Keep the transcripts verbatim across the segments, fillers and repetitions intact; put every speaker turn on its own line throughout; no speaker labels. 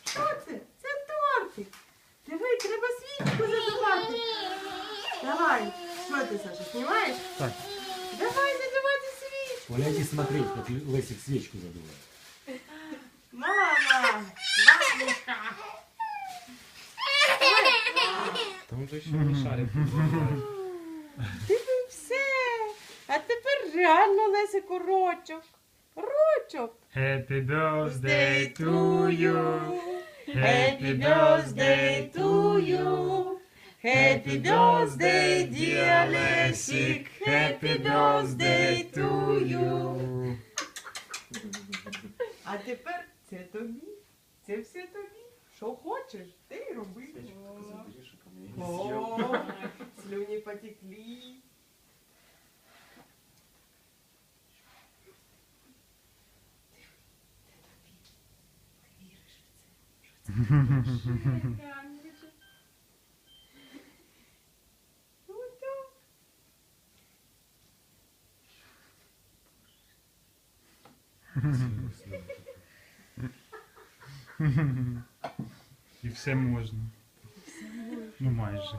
Що це? Це тортик. Диви, треба свічку задувати. Давай. Що ти, Саша, знімаєш?
Так.
Давай задавати свічку.
Оля, иди смотреть, как Лесик свечку задувает.
Мама! Бабушка!
Там же ще не шарик.
Диви, все. А тепер реально Лесику рочок. Рочок.
Happy birthday to you.
Happy birthday to you. Happy birthday, dear Lessig. Happy birthday to you. А тепер це тобі. Це все тобі. Що хочеш, ти й роби. О, слюні потекли.
І все можна. Ну майже.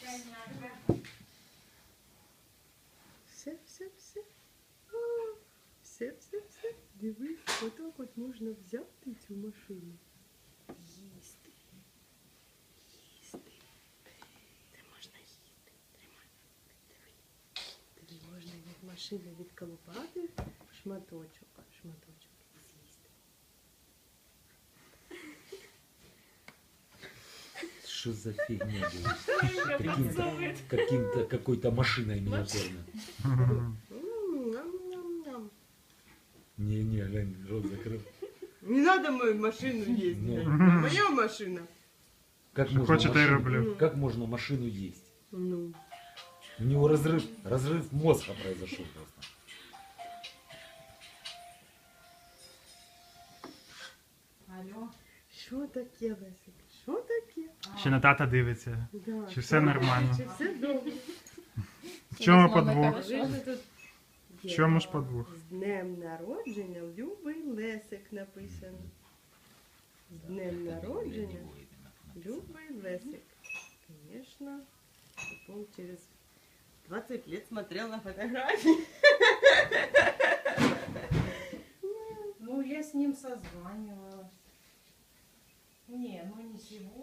Все, все, все. О, все, все, все. Дивись, отак от можна взяти цю машину. Їсти. Їсти. Це можна їсти. Тримай. Диви. Диви, можна від машини відколупати шматочок. Шматочок. З'їсти.
Что за фигня будет? Каким-то, каким-то, какой-то машиной миниатюрной.
М, ням-ням-ням.
Не-не, Лень, рот закрыл.
Не надо мою машину ездить.
Ну.
Моя машина.
Как
Что
можно,
хочет, я и
машину,
роблю.
как можно машину есть?
Ну.
У него разрыв, разрыв мозга произошел просто.
Алло. Що таке, Лесик? Що таке?
Ще на тата дивиться.
Да.
Чи все нормально?
Чи все добре?
В чому подвох?
Ви ж тут
В чому ж подвох?
З днем народження любий Лесик написано. З днем народження любий Лесик. Конечно. Он через двадцать лет смотрел на фотографии.
Ну, я с ним созванивалась. Не, ну не сегодня.